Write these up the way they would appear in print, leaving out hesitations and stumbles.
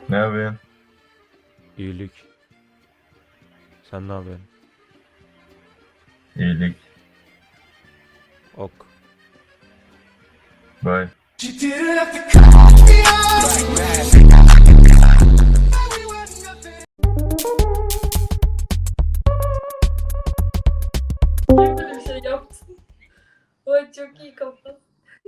Ne yapıyorsun? İyilik. Sen ne yapıyorsun? İyilik. Ok. Bay. Böyle bir şey yaptın. Ay çok iyi kafa.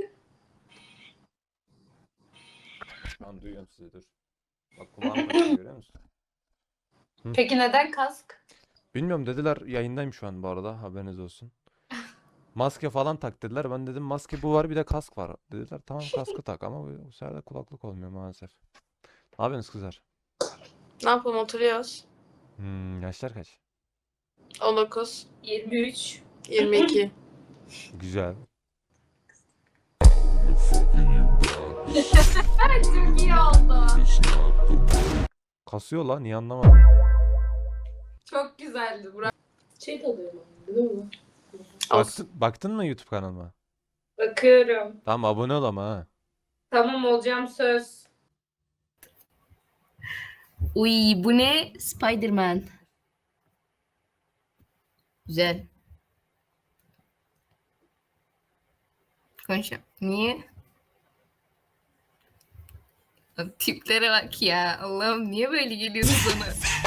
Şu an duyuyorum sizi, dur. Bak kulağım kaçıyor, görüyor musun? Peki neden kask? Bilmiyorum, dediler, yayındayım şu an bu arada, haberiniz olsun. Maske falan tak dediler. Ben dedim maske bu var, bir de kask var. Dediler tamam, kaskı tak, ama bu sefer de kulaklık olmuyor maalesef. Ne yapıyorsunuz kızlar? Ne yapalım, oturuyoruz. Yaşlar kaç? 19, 23. 22. Güzel. Çok iyi oldu. Kasıyor lan, niye anlamadım. Çok güzeldi Burak. Şey tadıyor mu? Biliyor musun? Baktın mı YouTube kanalıma? Bakıyorum. Tamam, abone ol ama ha. Tamam olacağım söz. Uy bu ne? Spider-Man. Güzel. Konuşalım. Niye? Abi, tiplere bak ya. Allah'ım niye böyle geliyorsun bana?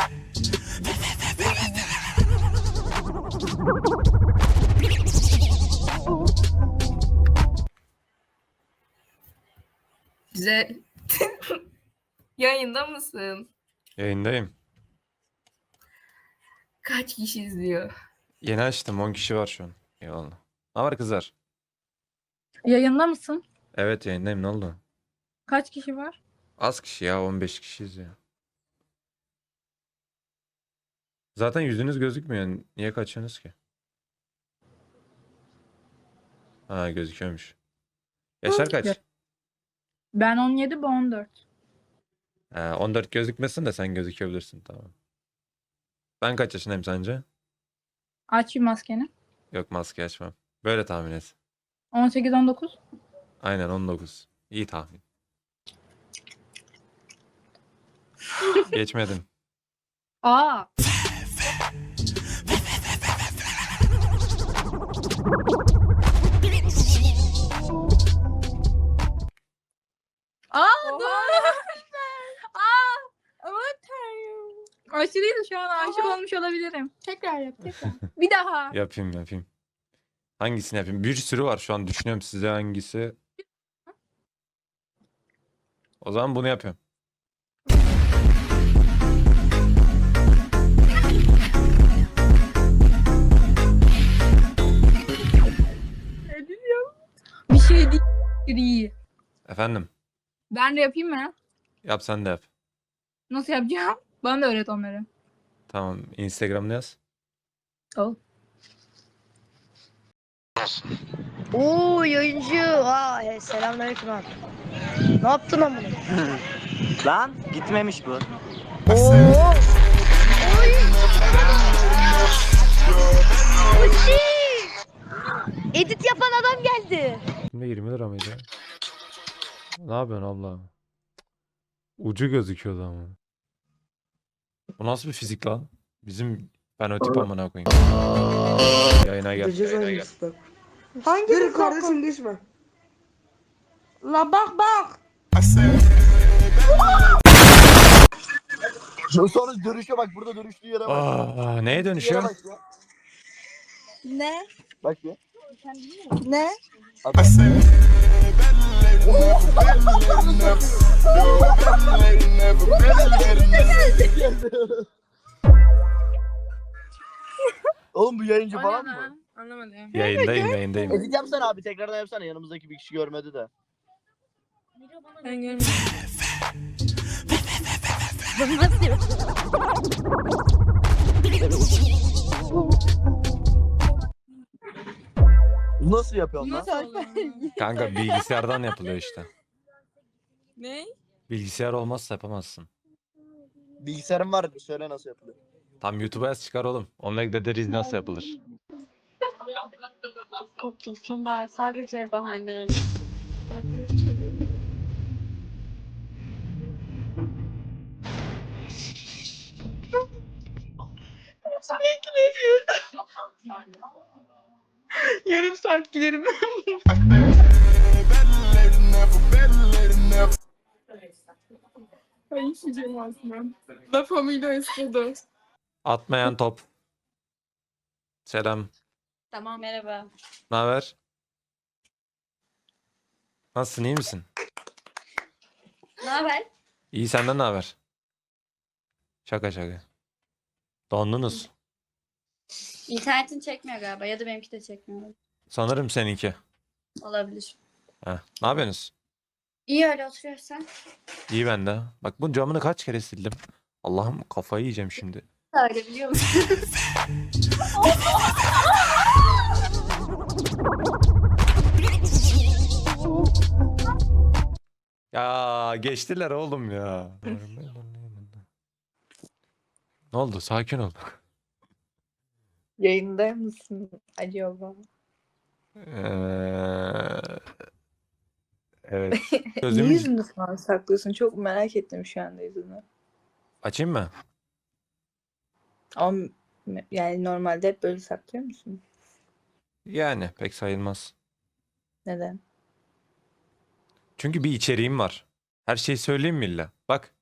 Güzel. Yayında mısın? Yayındayım. Kaç kişi izliyor? Yeni açtım, 10 kişi var şu an. Eyvallah. Ne var kızlar? Yayında mısın? Evet, yayındayım, ne oldu? Kaç kişi var? Az kişi ya, 15 kişiyiz ya. Zaten yüzünüz gözükmüyor. Niye kaçıyorsunuz ki? Ha, gözüküyormuş. Yaşar kaç? Ben 17, bu 14. 14 gözükmesin de sen gözükebilirsin, tamam. Ben kaç yaşındayım sence? Aç bir maskeni. Yok, maske açmam. Böyle tahmin et. 18, 19. Aynen 19. İyi tahmin. Geçmedim. Aa. Aa, dur. Aa. Aman tanrım. Aşırıydı, şu an aşık olmuş olabilirim. Tekrar yap, tekrar. Bir daha. Yapayım. Hangisini yapayım? Bir sürü var şu an, düşünüyorum size hangisi. O zaman bunu yapıyorum. Ne diyeceğim? Bir şey değil. İyi. Efendim? Ben de yapayım mı? Yap, sen de yap. Nasıl yapacağım? Bana da öğret onları. Tamam, Instagram'da yaz. Ol. Oo yayıncı. Selamünaleyküm abi. Ne yaptın amına? Lan gitmemiş bu. Oo. Oy. Uçi. Edit yapan adam geldi. Şimdi 20 lira mıydı? Ne yapıyorsun abla? Ucu gözüküyordu ama. Bu nasıl bir fizik lan? Bizim fenotip amına koyayım. Yayına gel. Hangi Dur kardeşim düşme. La bak. Sonra dönüşe bak, burada dönüştüğü yere bak. Neye dönüşüyor? Yere bak ya. Ne? Bak ya. Ne? Oğlum bu yayıncı O falan ne mı? lan? Anlamadım. Yayındayım. Edit yapsana abi, tekrardan yapsana, yanımızdaki bir kişi görmedi de. Ben görmedim. Nasıl yapıyorsun lan? Nasıl oldu? Kanka bilgisayardan yapılıyor işte. Ne? Bilgisayar olmazsa yapamazsın. Bilgisayarım var, söyle nasıl yapılıyor. Tam YouTube'a yaz, çıkar oğlum. Onunla gideriz nasıl yapılır. Kurtulsun ben sadece bahane. Yarım saat giderim. Ay işeceğim aslında. La Familia estudo. Atmayan top. Selam. Tamam merhaba. Ne haber? Nasılsın, iyi misin? Ne haber? İyi, senden ne haber? Şaka şaka. Dondunuz. İnternetin çekmiyor galiba ya da benimki de çekmiyor. Sanırım seninki. Olabilir. Heh. Ne yapıyorsunuz? İyi öyle oturuyorsun sen. İyi ben de. Bak bu camını kaç kere sildim. Allah'ım kafayı yiyeceğim şimdi. Öyle biliyor musun? Ya geçtiler oğlum ya. Ne oldu? Sakin ol. Yayında mısın acaba? Evet. Niye Gözümü yüzünü falan saklıyorsun? Çok merak ettim şu anda yüzünü. açayım mı? Ama yani normalde hep böyle saklıyor musun? Yani pek sayılmaz. Neden? Çünkü bir içeriğim var. Her şeyi söyleyeyim mi illa? Bak.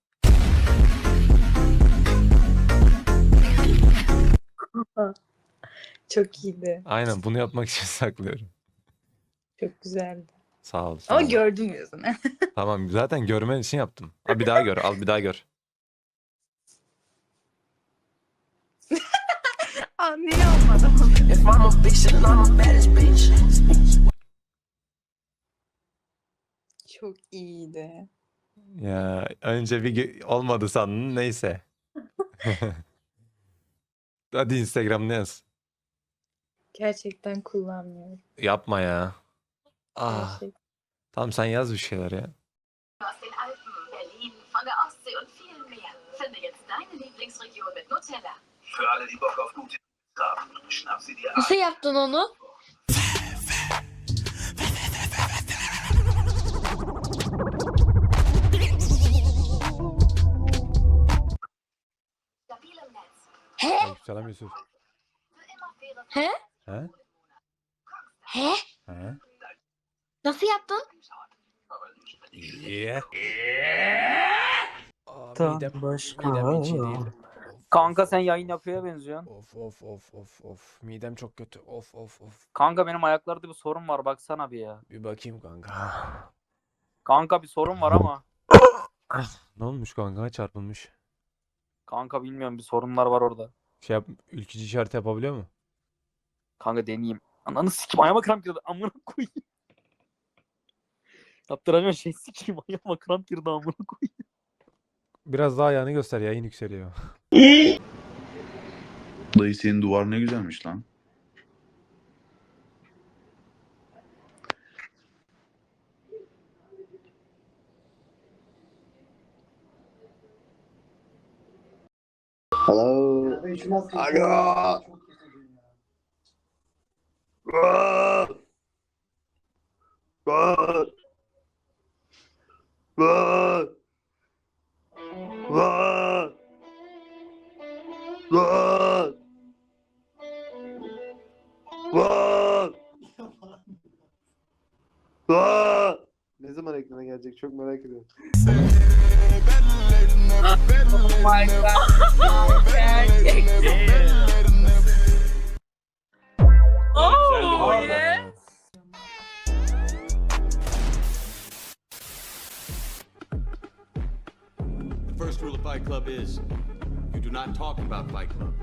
Çok iyiydi. Aynen bunu yapmak için saklıyorum. Çok güzeldi. Sağ ol. Sağ Ama ol. gördüm yüzünü. Tamam zaten görmen için yaptım. Al bir daha gör. Al bir daha gör. Anlayamadım. Çok iyiydi. Ya önce bir olmadı sandın neyse. Hadi Instagram'da yaz. Gerçekten kullanmıyorum. Yapma ya. Ah. Gerçekten. Tamam sen yaz bir şeyler ya. Aus den Alpen, Berlin, von der Ostsee und viel mehr. Finde jetzt deine Lieblingsregion mit Nutella. Für alle, die Bock auf gute haben, schnapp sie dir ab. Nasıl yaptın onu? Stabil im Netz. Selam Yusuf. Für immer faire He? He? He? He? Nasıl yaptın? Yeah. Midem hiç iyi değil. Kanka sen yayın yapıya benziyorsun. Of. Midem çok kötü. Of. Kanka benim ayaklarda bir sorun var baksana bir ya. Bir bakayım kanka. Kanka bir sorun var ama. Ne olmuş kanka? Çarpılmış. Kanka bilmiyorum bir sorunlar var orada. Şey yap, ülkücü işareti yapabiliyor mu? Kanka deneyeyim. Ananı sikim ayağıma kramp girdi. Amına koyayım. Yaptıramıyorum şey sikeyim ayağıma kramp girdi amına koyayım. Biraz daha ayağını göster, yayın yükseliyor. Dayı senin duvar ne güzelmiş lan. Hello. Alo. Ne zaman ekrana gelecek çok merak ediyorum. Oh yeah. The first rule of Fight Club is you do not talk about Fight Club.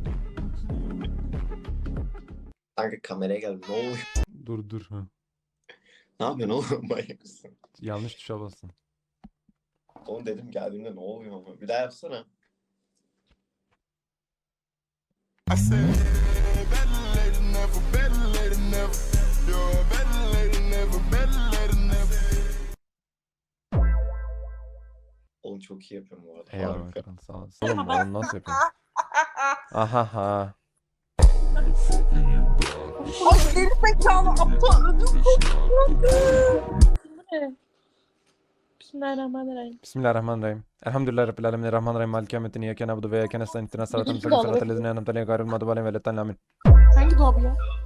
Kanka kameraya gel ne oluyor? Dur. Ha. Ne yapıyorsun oğlum manyak mısın? Yanlış tuşa bastın. Oğlum dedim geldiğimde ne oluyor ama bir daha yapsana. Oğlum çok iyi yapıyorum bu arada. Eyvallah Harika. kral, sağ olasın. Oğlum onu nasıl yapıyorsun? Aha. Ay geri zekalı aptal ödüm koptu. Bismillahirrahmanirrahim. Bismillahirrahmanirrahim. Elhamdülillahi Rabbil alemin. Rahmanirrahim. Maliki yevmiddin. İyyâke na'budu ve iyyâke nestaîn. İhdinâs sıratal müstakîm. Sıratal lezîne en'amte aleyhim gayril mağdûbi aleyhim ve leddâllîn. Amin. Hangi dolabı ya?